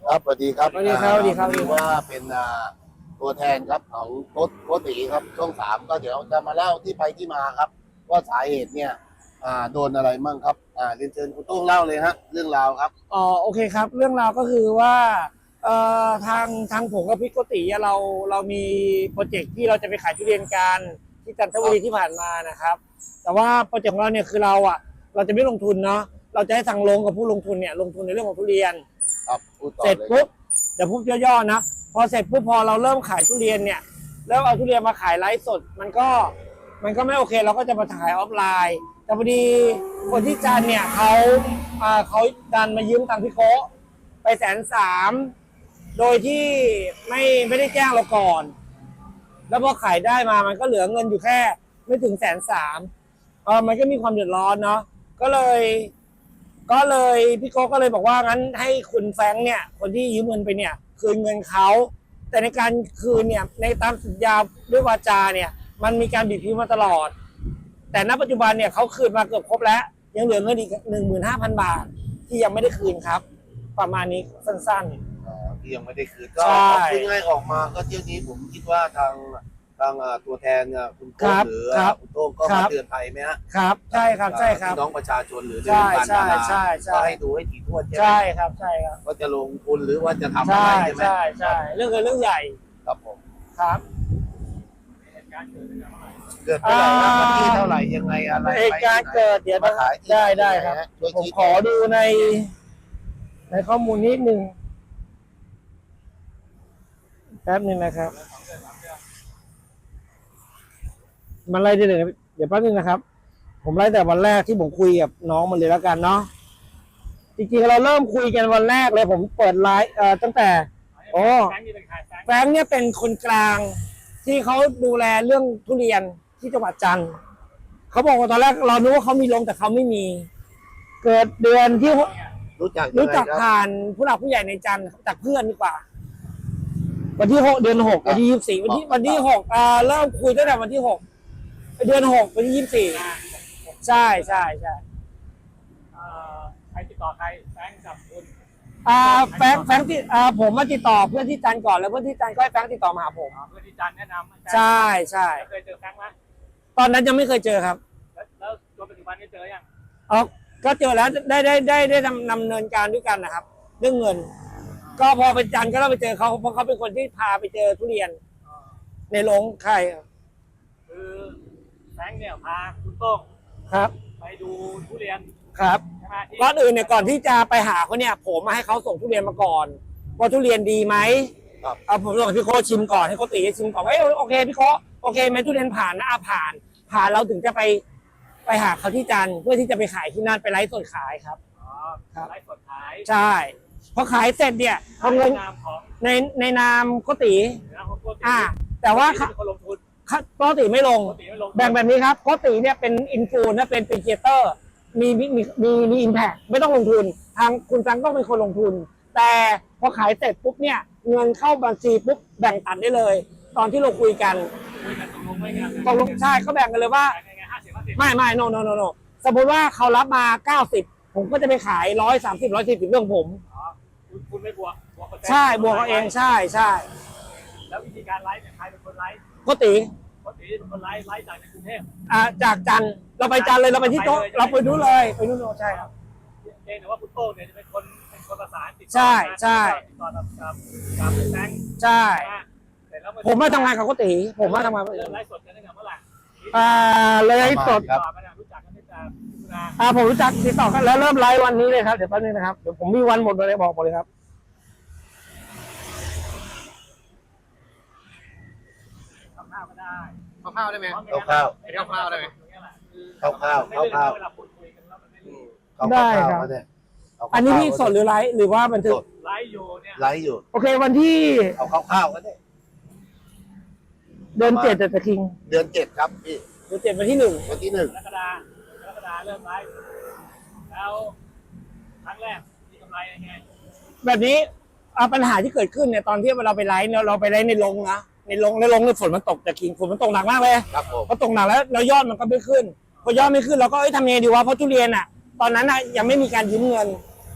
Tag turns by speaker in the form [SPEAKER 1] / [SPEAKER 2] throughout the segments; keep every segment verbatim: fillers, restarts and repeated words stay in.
[SPEAKER 1] ครับสวัสดีครับ
[SPEAKER 2] สวัสดีครับสวัสดีครับ
[SPEAKER 1] ถือว่าเป็นตัวแทนครับของโค้ชโค้ชตีครับช่องสามก็เดี๋ยวจะมาเล่าที่ไปที่มาครับ ว่าสาเหตุเนี่ยโดนอะไรมั่งครับเรียนเชิญคุณโต้งเล่าเลยฮะเรื่องราวครับ
[SPEAKER 2] อ๋อโอเคครับเรื่องราวก็คือว่าเอ่อทางทางผมกับพี่โกติเราเรามีโปรเจกต์ที่เราจะไปขายทุเรียนกันที่จันทบุรีที่ผ่านมานะครับแต่ว่าโปรเจกต์ของเราเนี่ยคือเราอ่ะเราจะไม่ลงทุนเนาะเราจะให้ทางโรงกับผู้ลงทุนเนี่ยลงทุนในเรื่องของทุเรียนเสร็จปุ๊บเดี๋ยวพูดย่อๆนะพอเสร็จปุ๊บพอเราเริ่มขายทุเรียนเนี่ยแล้วเอาทุเรียนมาขายไลฟ์สดมันก็มันก็ไม่โอเคเราก็จะมาขายออฟไลน์แต่พอดีคนที่จันเนี่ยเขาเขาดันมายืมตังค์พี่โก้ไปแสนสามโดยที่ไม่ไม่ได้แจ้งเราก่อนแล้วพอขายได้มามันก็เหลือเงินอยู่แค่ไม่ถึงแสนสามเออมันก็มีความเดือดร้อนเนาะก็เลยก็เลยพี่โก้ก็เลยบอกว่างั้นให้คุณแฟงเนี่ยคนที่ยืมเงินไปเนี่ยคืนเงินเขาแต่ในการคืนเนี่ยในตามสัญญาด้วยวาจาเนี่ยมันมีการบีบพิ้วมาตลอดแต่ณปัจจุบันเนี่ยเขาคืนมาเกือบครบแล้วยังเหลือเงินอีกหนึ่งหมื่นห้าพันบาทที่ยังไม่ได้คืนครับประมาณนี้สั้น
[SPEAKER 1] ๆที่ยังไม่ได้คืนก็ง่ายๆออกมาก็เที่ยวนี้ผมคิดว่าทางทางตัวแทนคุณโต้งหรือคุณโต้งก็มาเตือนภัยไหมฮะ
[SPEAKER 2] ครับใช่ครับใช่ครับ
[SPEAKER 1] น้องประชาชนหรือในวงการดาราก็ให้ดูให้ถี่ถ้วน
[SPEAKER 2] ใช่ครับใช่ครับ
[SPEAKER 1] ว่าจะลงทุนหรือว่าจะทำอะไรใช่ไหม
[SPEAKER 2] ใช่ใช่เรื่องเงินเรื่องใหญ่
[SPEAKER 1] ครับผม
[SPEAKER 2] ครับ
[SPEAKER 1] เกิดเท่าไหร่วันที่เท่าไหร่ยังไงอะไร
[SPEAKER 2] เหตุการณ์เกิดเดี๋ยวมาขายได้ได้ครับผมขอดูในในข้อมูลนิดนึงแป๊บนึงนะครับมันไล่ได้เลยเดี๋ยวแป๊บนึงนะครับผมไล่แต่วันแรกที่ผมคุยกับน้องมันเลยแล้วกันเนาะจริงๆเราเริ่มคุยกันวันแรกเลยผมเปิดไลฟ์เอ่อตั้งแต่โอ้แฟงเนี่ยเป็นคนกลางที่เขาดูแลเรื่องทุเรียนที่จังหวัดจันทร์เขาบอกว่าตอนแรกเราคิดว่าเขามีลงแต่เขาไม่มีเกิดเดือนที่
[SPEAKER 1] รู้จัก
[SPEAKER 2] รู้จักผ่านผู้หลักผู้ใหญ่ในจันทร์จากเพื่อนดีกว่าวันที่หกเดือนหกวันที่ยี่สิบสี่วันที่วันที่หกอ่าเริ่มคุยตั้งแต่วันที่หกเดือนหกวันที่ยี่สิบสี่ใช่ใช่ใช่
[SPEAKER 3] ใครติดต่อใครแฟงกับคุณ
[SPEAKER 2] อ่าแฟงแฟงที่อ่าผมมาติดต่อเพื่อนที่จันก่อนแล้วเพื่อนที่จันก็ให้แฟงติดต่อมาหาผม
[SPEAKER 3] เพื่อนที่จันแนะนำ
[SPEAKER 2] ใช่ใช่
[SPEAKER 3] เคยเจอแฟงไหม
[SPEAKER 2] ตอนนั้นยังไม่เคยเจอครับ
[SPEAKER 3] แล้วจนปัจจุบันนี้เจอยัง
[SPEAKER 2] อ๋อก็เจอแล้วได้ได้ได้ได้ดำดำเนินการด้วยกันนะครับเรื่องเงินก็พอไปจันก็เราไปเจอเขาเพราะเขาเป็นคนที่พาไปเจอทุเรียนในโรงไข่
[SPEAKER 3] คือแฟงเนี่ยพาคุณโต้ง
[SPEAKER 2] ครับ
[SPEAKER 3] ไปดูทุเรียน
[SPEAKER 2] ครับก่อนอื่นเนี่ยก่อนที่จะไปหาเขาเนี่ยผมมาให้เขาส่งทุเรียนมาก่อนว่าทุเรียนดีไหม
[SPEAKER 1] ครับ
[SPEAKER 2] เอาผมส่งพี่โคชิมก่อนให้เขาตีชิมก่อนว่าโอเคพี่โคโอเคไหมทุเรียนผ่านนะผ่านผ่านเราถึงจะไปไปหาเขาที่จันทร์เพื่อที่จะไปขายที่นั่นไปไลฟ์สดขายครับ
[SPEAKER 3] อ๋อครับไลฟ์สดขาย
[SPEAKER 2] ใช่พอขายเสร็จเนี่ยพอเงินในในนามโกติอ่าแต่ว่า
[SPEAKER 3] คนลงทุน
[SPEAKER 2] โกติไม่ลงแบ่งแบบนี้ครับโกติเนี่ยเป็นอินฟูนะเป็นเป็นครีเอเตอร์มีมีมีมีมีอิมแพคไม่ต้องลงทุนทางคุณจังต้องเป็นคนลงทุนแต่พอขายเสร็จปุ๊บเนี่ยเงินเข้าบัญชีปุ๊บแบ่งตัดได้เลยตอนที่เราคุยกันตกลงใช่เขาแบ่งกันเลยว่าไม่ไม่ no no no no สมมติว่าเขารับมาเก้าสิบผมก็จะไปขายร้อยสามสิบร้อยสี่สิบเรื่องผม
[SPEAKER 3] คุณไม่บวก
[SPEAKER 2] ใช่บวกเขาเองใช่ใช่
[SPEAKER 3] แล้ววิธีการไลฟ์เนี่ยใครเป็นคนไลฟ์
[SPEAKER 2] โกติ
[SPEAKER 3] โกติเป็นคนไลฟ์ไลฟ์จากในกรุงเทพ
[SPEAKER 2] อ่าจากจันทร์เราไปจันทร์เลยเราไปที่โต๊ะเราไปดูเลยไปดูโน่ใช่ครับ
[SPEAKER 3] เองแต่ว่าคุณโต้งเนี่ยจะเป็นคนเป็นคนประสานติดต่อ
[SPEAKER 2] ใช่ใช่
[SPEAKER 3] ติดต่อกับกับกับแฟง
[SPEAKER 2] ใช่ผมมาทำงานกับโกติผมมาทำงาน
[SPEAKER 3] เริ่มไลฟ์สดกันตั้งแต่เมื่อไหร่
[SPEAKER 2] อ่าเลยสด
[SPEAKER 3] รู้จักกันตั้งแต่
[SPEAKER 2] อ่าผมรู้จักติดต่อกันแล้วเริ่มไลฟ์วันนี้เลยครับเดี๋ยวแป๊บนึงนะครับเดี๋ยวผมมีวันหมดเลยบอกหมดเลยครับ
[SPEAKER 3] ข้าวก็ได้
[SPEAKER 2] ข้าวได้ไหม
[SPEAKER 1] ข้าว
[SPEAKER 2] ข้าวได้ไหม
[SPEAKER 1] ข้าวข้าวข้าวข้าว
[SPEAKER 2] ได้ครับอันนี้พี่สดหรือไลฟ์หรือว่าบันทึก
[SPEAKER 3] ไลฟ์อยู่เนี่ย
[SPEAKER 1] ไลฟ์อยู่
[SPEAKER 2] โอเควันที่
[SPEAKER 1] เอาข้าวข้าวก็ได้
[SPEAKER 2] เดือนเจ็ดแต่คิง
[SPEAKER 1] เดือนเจ็ดครับพี่
[SPEAKER 2] เดือนเจ็ดวันที่หนึ่ง
[SPEAKER 1] วันที่หนึ่ง
[SPEAKER 3] กรกฎาคมกรกฎาคมเริ่มไลฟ์แล้วครั้งแรกมีกำไรยังไง
[SPEAKER 2] แบบนี้ปัญหาที่เกิดขึ้นเนี่ยตอนที่เราไปไลฟ์เนี่ยเราไปไลฟ์ในโรงนะในโรงในโรงเนี่ยฝนมันตกแต่คิงฝนมันตกหนักมากเลย
[SPEAKER 1] ครับผม
[SPEAKER 2] พอตกหนักแล้วแล้วยอดมันก็ไม่ขึ้นพอยอดไม่ขึ้นเราก็เอ้ยทำยังไงดีวะเพราะทุเรียนอ่ะตอนนั้นอ่ะยังไม่มีการยืมเงิน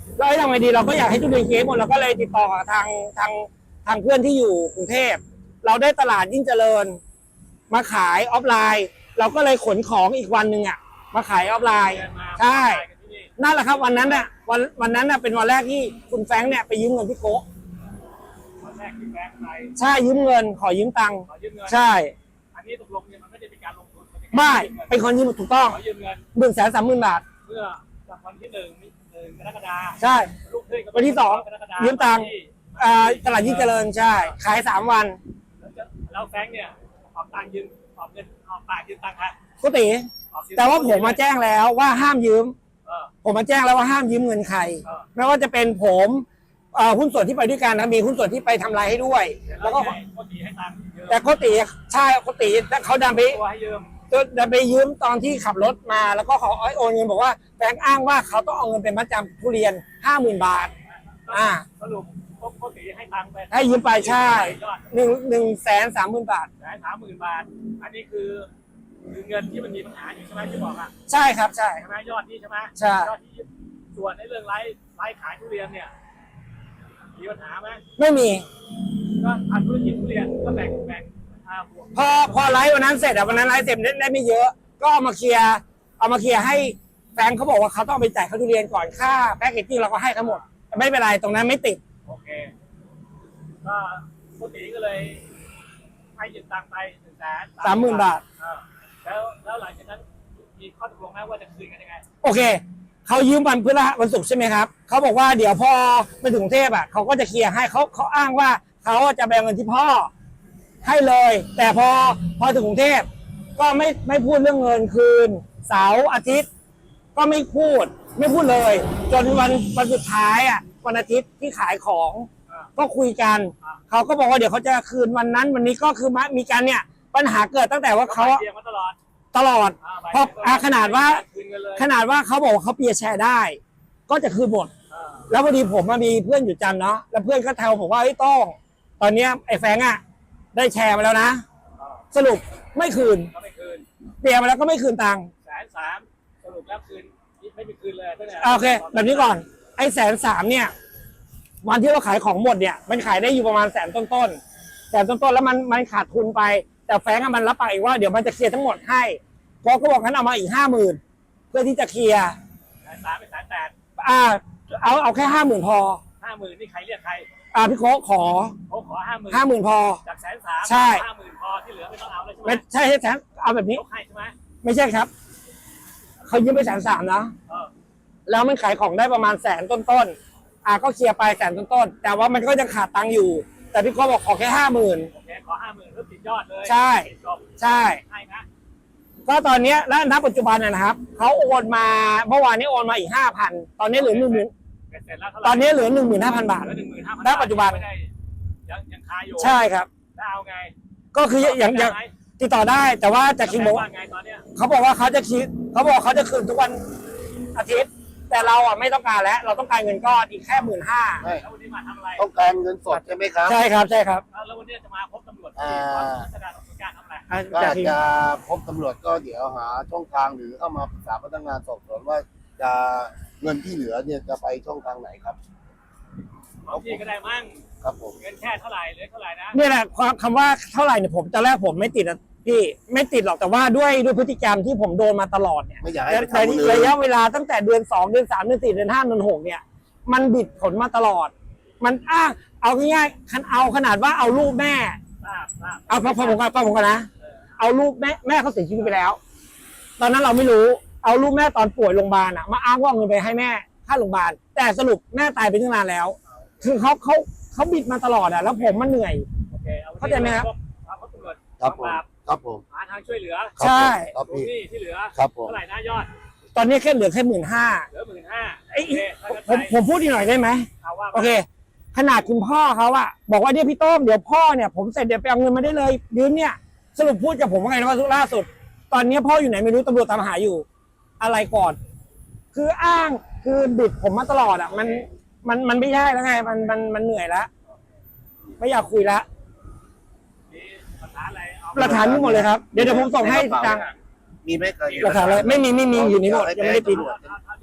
[SPEAKER 2] แล้วให้ทำไงดีเราก็อยากให้ทุเรียนเคสหมดเราก็เลยติดต่อกับทางทางทางเพื่อนที่อยู่กรุงเทพเราได้ตลาดยิ่งเจริญมาขายออฟไลน์ เราก็เลยขนของอีกวันหนึ่งอ่ะมาขายออฟไลน์ใช่นั่นแหละครับวันนั้นน่ะวันวันนั้นน่ะเป็นวันแรกที่คุณแฟรงค์เนี่ยไปยืมเงินพี่โก้
[SPEAKER 3] วันแรกที่แบงค์ไป
[SPEAKER 2] ใช่ยืมเงินขอยืมตังค์
[SPEAKER 3] ขอยืมเงิน
[SPEAKER 2] ใช่
[SPEAKER 3] อันนี้ตกลงเนี่ยมันไม่ได้เป็นการลงทุนนเป็นการ
[SPEAKER 2] ไม่
[SPEAKER 3] ยืมเงิน
[SPEAKER 2] เป็นคนยืมถูกต้อง
[SPEAKER 3] ขอยืมเงิน
[SPEAKER 2] หนึ่งแสนสามหมื่นบาท
[SPEAKER 3] เพื่อจากวันที่หนึ่งหนึ่งกรกฎาคม
[SPEAKER 2] ใช่
[SPEAKER 3] ลูกขึ้นก็
[SPEAKER 2] วันที่สอง
[SPEAKER 3] กรกฎาค
[SPEAKER 2] ยืมตังค์
[SPEAKER 3] ที่
[SPEAKER 2] อ่าตลาดยิ่งเจริญใช่ ขายสามวัน
[SPEAKER 3] แล้วจะแล้วแฟรงค์เนี่ยออกตังค์ยืมออกเงินออกปากยืมตังค์ค่ะ
[SPEAKER 2] กุฏิ
[SPEAKER 3] ออกยื
[SPEAKER 2] แต่ว่าผมมาแจ้งแล้วว่าห้ามยืม
[SPEAKER 3] เออ
[SPEAKER 2] ผมมาแจ้งแล้วว่าห้ามยืมเงินใคร
[SPEAKER 3] เออ
[SPEAKER 2] ไม่ว่าจะเป็นผมเอ่อหุ้นส่วนที่ไปด้วยกันนะมีหุ้นส่วนที่ไปทำลายให้ด้วย แล้วก็
[SPEAKER 3] ให้โกติให้ตังค์เยอะ
[SPEAKER 2] แต่โกติใช่โกติเขาดันไป
[SPEAKER 3] ตัวให้ยืม
[SPEAKER 2] ดันไปยืมตอนที่ขับรถมาแล้วก็เขาโอนเงินบอกว่าแฟงอ้างว่าเขาต้องเอาเงินเป็นมัดจำทุเรียนห้าหมื่นบาท อ่า
[SPEAKER 3] สรุปโกติให้ตังค์ไป
[SPEAKER 2] ให้ยืมไปใช่
[SPEAKER 3] ยอด
[SPEAKER 2] หนึ่งหนึ่งแสนสามหมื่นบาท
[SPEAKER 3] แสนสามหมื่นบาท อันนี้คือคือเงินที่มันมีปัญหาอยู่ใช่ไหมที่บอกอ่ะ
[SPEAKER 2] ใช่ครับใช่
[SPEAKER 3] ใช่ไหมยอดนี้ใช่ไหม
[SPEAKER 2] ใช่
[SPEAKER 3] ยอดที่ส่วนในเรื่องไลฟ์ไลฟ์ขายทุเรียนเนี่ยมีปัญหาไหม
[SPEAKER 2] ไม่มี
[SPEAKER 3] ก็ทำธุรกิจทุเรียนก็แบ่งแบ่งอ่าบวก
[SPEAKER 2] พอพอไลฟ์วันนั้นเสร็จอะวันนั้นไลฟ์เสร็จได้ได้ไม่เยอะ ก็เอามาเคลียร์เอามาเคลียร์ให้แฟนเขาบอกว่าเขาต้องเอาไปจ่ายค่าทุเรียนก่อนค่าแพ็กเกจจิ้งเราก็ให้ทั้งหมดแต่ไม่เป็นไรตรงนั้นไม่ติด
[SPEAKER 3] โอเคก็ปกติก็เลยให้ยืมตังค์ไปหนึ่งแสน
[SPEAKER 2] สามหมื่นบาท
[SPEAKER 3] เออแล้วแล้วหลังจากนั้นมีข้อตกลงไหมว่าจะคืนกันยังไง
[SPEAKER 2] โอเคเขายืมวันพฤหัสวันศุกร์ใช่ไหมครับเขาบอกว่าเดี๋ยวพอไปถึงกรุงเทพอ่ะเขาก็จะเคลียร์ให้เขาเขาอ้างว่าเขาจะแบ่งเงินที่พ่อให้เลย แต่พอพอถึงกรุงเทพก็ไม่ไม่พูดเรื่องเงินคืนเสาร์อาทิตย์ ก็ไม่พูดไม่พูดเลย จนวันวันสุดท้ายอ่ะวันอาทิตย์ที่ขายของ
[SPEAKER 3] อ่า
[SPEAKER 2] ก็คุยกัน
[SPEAKER 3] อ่า
[SPEAKER 2] เขาก็บอกว่าเดี๋ยวเขาจะคืนวันนั้น วันนี้ก็คือมามีการเนี่ยปัญหาเกิดตั้งแต่ว่าเขา
[SPEAKER 3] ก็เตรียมมาตลอด
[SPEAKER 2] ตลอด
[SPEAKER 3] อ่าใบ
[SPEAKER 2] เพราะอ่าขนาดว่า
[SPEAKER 3] คืนเงินเลย
[SPEAKER 2] ขนาดว่าเขาบอกว่าเขาเปียร์แชร์ได้ ก็จะคืนหมด
[SPEAKER 3] อ่า
[SPEAKER 2] แล้วพอดีผมมามีเพื่อนอยู่จันทร์เนาะแล้วเพื่อนก็แทวผมว่าไอ้ยโต้องตอนเนี้ยไอ้แฟงอ่ะได้แชร์มาแล้วนะ
[SPEAKER 3] อ่า
[SPEAKER 2] สรุปไม่คืน
[SPEAKER 3] ก็ไม่คืน
[SPEAKER 2] เปียร์มาแล้วก็ไม่คืนตังค์
[SPEAKER 3] แสนสามสรุปแล้วคืนไม่มีคืนเลยตั้งแต่
[SPEAKER 2] อ่าโอเค แบบนี้ก่อนไอ้แสนสามเนี่ย วันที่เราขายของหมดเนี่ย มันขายได้อยู่ประมาณแสนต้นๆแสนต้นๆแล้วมันมันขาดทุนไป แต่แฟงอะมันรับปากอีกว่าเดี๋ยวมันจะเคลียร์ทั้งหมดให้พอก็บอกงั้นเอามาอีกห้าหมื่นเพื่อที่จะเคลียร์
[SPEAKER 3] แสนสามเป็นแสนแปด
[SPEAKER 2] อ่าเอาเอาแค่ห้าหมื่นพอ
[SPEAKER 3] ห้าหมื่นนี่ใครเรียกใคร
[SPEAKER 2] อ่าพี่โค้กขอ
[SPEAKER 3] เขาขอห้าหมื่น
[SPEAKER 2] ห้าหมื่นพอ
[SPEAKER 3] จากแสนสาม
[SPEAKER 2] ใช่
[SPEAKER 3] ห้าหมื่นพอที่เหลือไม่ต้องเอาเลยใช่ไหม
[SPEAKER 2] ไม่ใช่ใช่แสนเอาแบบนี้
[SPEAKER 3] ยกให้ใช่ไหม
[SPEAKER 2] ไม่ใช่ครับเขายืมไปแสนสามนะ
[SPEAKER 3] เออ
[SPEAKER 2] แล้วมันขายของได้ประมาณแสนต้นๆอ่าก็เคลียร์ไปแสนต้นๆแต่ว่ามันก็ยังขาดตังค์อยู่ แต่พี่โค้กบอกขอแค่ห้าหมื่น
[SPEAKER 3] โอเคขอห้าหมื่นเพื่อติดยอดเลย
[SPEAKER 2] ใช่
[SPEAKER 3] ติดจบ
[SPEAKER 2] ใช่
[SPEAKER 3] ให้นะ
[SPEAKER 2] ก็ตอนเนี้ยและณปัจจุบันนะนะครับเขาโอนมาเมื่อวานนี้โอนมาอีกห้าพันตอนนี้เหลือหนึ่งหมื่น
[SPEAKER 3] เสร็จแล้วเท่าไหร่
[SPEAKER 2] ตอนนี้เหลือหนึ่งหมื่นห้าพันบาท
[SPEAKER 3] เหลือหนึ่งหมื่นห้าพัน
[SPEAKER 2] ณปัจจุบัน
[SPEAKER 3] ไม่ได้ยังยังคาอยู่
[SPEAKER 2] ใช่ครับ
[SPEAKER 3] แล้วเอาไง
[SPEAKER 2] ก็คืออย่างอย่างติดต่อได้ แต่ว่าจะคิดบอก
[SPEAKER 3] ว่าไงตอนเนี้ย
[SPEAKER 2] เขาบอกว่าเขาจะคิดเขาบอกเขาจะคืนทุกวันอาทิตย์ แต่เราอ่ะไม่ต้องการแล้ว เราต้องการเงินก้อนอีกแค่หมื่นห้า
[SPEAKER 1] ไม่
[SPEAKER 3] แล้ววันนี้มาทำอะไร
[SPEAKER 1] ต้องการเงินสดใช่ไหมครับ
[SPEAKER 2] ใช่ครับใช่ครับ
[SPEAKER 3] แล้ววันนี้จะมาพบตำรวจ
[SPEAKER 1] อ่า
[SPEAKER 3] ที่แสดงการทำอะไร
[SPEAKER 2] อ่ะ
[SPEAKER 1] ก็
[SPEAKER 2] จะ
[SPEAKER 1] อาจ
[SPEAKER 2] คิด
[SPEAKER 1] จะพบตำรวจก็เดี๋ยวหาช่องทางหรือเข้ามาปรึกษาพนักงานสอบสวนว่าจะเงินที่เหลือเนี่ยจะไปช่องทางไหนครับ
[SPEAKER 3] ของพี่ก็ได้มั่ง
[SPEAKER 1] ครับผม
[SPEAKER 3] เงินแค่เท่าไหร่เหลือเท่าไหร่นะ
[SPEAKER 2] เนี่ยแหละความคำว่าเท่าไหร่เนี่ยผมตอนแรกผมไม่ติดอะพี่ไม่ติดหรอกแต่ว่าด้วยด้วยพฤติกรรมที่ผมโดนมาตลอดเนี่ย
[SPEAKER 1] ไม่อยากให้
[SPEAKER 2] และ
[SPEAKER 1] ไป
[SPEAKER 2] ใน
[SPEAKER 1] ทำเลย
[SPEAKER 2] ระยะเวลาตั้งแต่เดือนสองเดือนสามเดือนสี่เดือนห้าเดือนหกเนี่ย มันบิดผลมาตลอด มันอ้างเอาง่ายๆคันเอาขนาดว่าเอารูปแม่
[SPEAKER 3] ทราบทราบ
[SPEAKER 2] เอาพอพอผมกันพอผมกันนะ เอารูปแม่แม่เขาเสียชีวิตไปแล้ว ตอนนั้นเราไม่รู้ เอารูปแม่ตอนป่วยโรงพยาบาลอะมาอ้างว่าเอาเงินไปให้แม่ค่าโรงพยาบาล แต่สรุปแม่ตายไปตั้งนานแล้ว คือเขาเขาเขาบิดมาตลอดอะแล้วผมมันเหนื่อย
[SPEAKER 3] โอเคเอา
[SPEAKER 2] เข้าใจไหมครับ
[SPEAKER 3] เอาพบตำรวจ
[SPEAKER 1] ครับผม
[SPEAKER 3] ปราบ
[SPEAKER 1] ครับผม
[SPEAKER 3] หาทางช่วยเหลือ
[SPEAKER 1] ครับผม
[SPEAKER 2] ใช่
[SPEAKER 1] ครับ
[SPEAKER 3] ดู
[SPEAKER 1] พี่
[SPEAKER 3] นี่ที่เหลือ
[SPEAKER 1] ครับผม
[SPEAKER 3] เท่าไหร่นะยอด
[SPEAKER 2] ตอนนี้แค่เหลือแค่หมื่นห้า
[SPEAKER 3] เหลือหมื่นห้า
[SPEAKER 2] ไอ้
[SPEAKER 3] โอเคถ้างั้น
[SPEAKER 2] ผม
[SPEAKER 3] ไป
[SPEAKER 2] ผมพูดอีกหน่อยได้ไหม
[SPEAKER 3] เอาว่า
[SPEAKER 2] โอเค ขนาดคุณพ่อเขาอะบอกว่าเนี่ยพี่โต้งเดี๋ยวพ่อเนี่ยผมเสร็จเดี๋ยวไปเอาเงินมาได้เลยยืมเนี่ยสรุปพูดกับผมว่าไงนะว่าล่าสุด ตอนนี้พ่ออยู่ไหนไม่รู้ตำรวจตามหาอยู่ อะไรก่อน คืออ้างคือบิดผมมาตลอดอะมันมันมันไม่ใช่แล้วไงมันมันมันเหนื่อยแล้วไม่อยากคุยแล้ว
[SPEAKER 3] มีหลักฐานอะไรเอา
[SPEAKER 2] หลักฐานมีหมดเลยครับเดี๋ยวเดี๋ยวผมส่งให้จัง
[SPEAKER 1] มีไหมเคย
[SPEAKER 2] หลักฐานอะไรไม่มีไม่มีอยู่นี่หมดยังไม่ได้ปิด
[SPEAKER 3] เท่าเท่าที่เปิดดูได้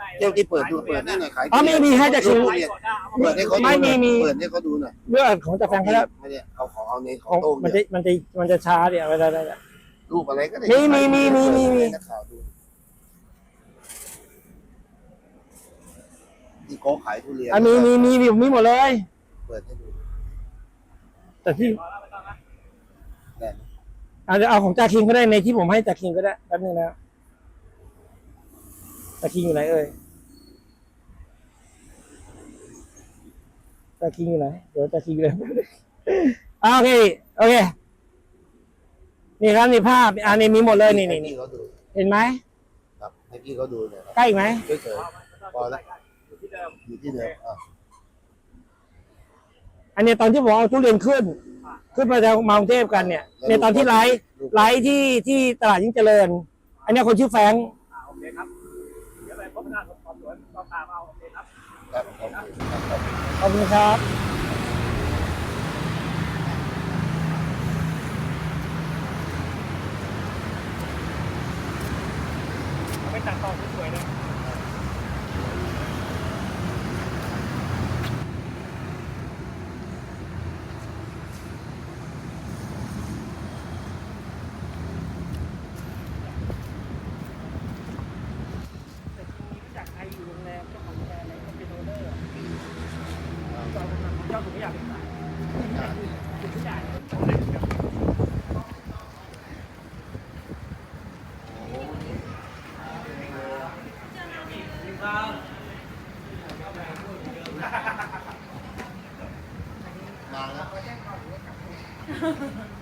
[SPEAKER 1] เจ้าที่เปิดดูเปิดให้หน่อยขาย
[SPEAKER 2] อ๋อมีมีให้จากชิม
[SPEAKER 1] ทุเรียนเปิดให้เขาดู
[SPEAKER 2] ไม่มีมี
[SPEAKER 1] เปิดให้เขาดูหน่อย
[SPEAKER 2] เรื่องของจากแฟนเขาแล้ว
[SPEAKER 1] ไม่ได้เอาของเอาเน้นข
[SPEAKER 2] ข
[SPEAKER 1] อ
[SPEAKER 2] อง ง
[SPEAKER 1] โต้ง
[SPEAKER 2] มัน
[SPEAKER 1] เนี่
[SPEAKER 2] จะ
[SPEAKER 1] ย
[SPEAKER 2] มันจะมันจะช้าเดี๋ยวเวลาได้
[SPEAKER 1] รูปอะไรก็ได้
[SPEAKER 2] มีมีมีมีมีมี
[SPEAKER 1] ให้นักข่าวดูที่โก้ขายทุเรียน
[SPEAKER 2] อ่ะมีมีมีมีมีหมดเลย
[SPEAKER 1] เปิดให้ดู
[SPEAKER 2] แต่ที่
[SPEAKER 3] พอแล้วไม่ต้องนะ
[SPEAKER 1] แน่น
[SPEAKER 2] อาจจะเอาของจาคิงก็ได้ในที่ผมให้จาคิงก็ได้แป๊บนึงนะจาคิงอยู่ไหนเอ่ยจาคิงอยู่ไหนเดี๋ยวจาคิงอยู่ไหน อ่าโอเคโอเคนี่ครับนี่ภาพอันนี้มีหมดเลยนี่นี่
[SPEAKER 1] ให้
[SPEAKER 2] นี่
[SPEAKER 1] พี่เขาดู
[SPEAKER 2] เห็นไหม
[SPEAKER 1] ครับให้พี่เขาดูเนี่ยครับ
[SPEAKER 2] ใกล้อีกไหม
[SPEAKER 1] เฉยๆพอแล้ว
[SPEAKER 3] อยู่ที่เดิม
[SPEAKER 1] อยู่ที่เดิมอ่ะ
[SPEAKER 2] อันนี้ตอนที่ผมเอาทุเรียนขึ้น ขึ้นมาจากมากรุงเทพกันเนี่ยในตอนที่ไลฟ์ไลฟ์ที่ที่ตลาดยิ่งเจริญ อันนี้คนชื่อแฟรงค์
[SPEAKER 3] อ่าโอเคครับเดี๋ยวไปพบพนักงานสอบสวนต้องตามเอาโอเคครับ
[SPEAKER 1] ครับขอบคุณครับ
[SPEAKER 2] ขอบคุณครับ
[SPEAKER 3] เอาไปตัดต่อสวยๆเลย
[SPEAKER 2] แต่ทีนี้รู้จักใครอยู่โรงแรมเจ้าของโรงแรมไหนก็เป็นโอเนอร์เจ้าของเจ้าผมไม่อยากเป็นสายคุณผู้ใหญ่
[SPEAKER 1] มาแล้ว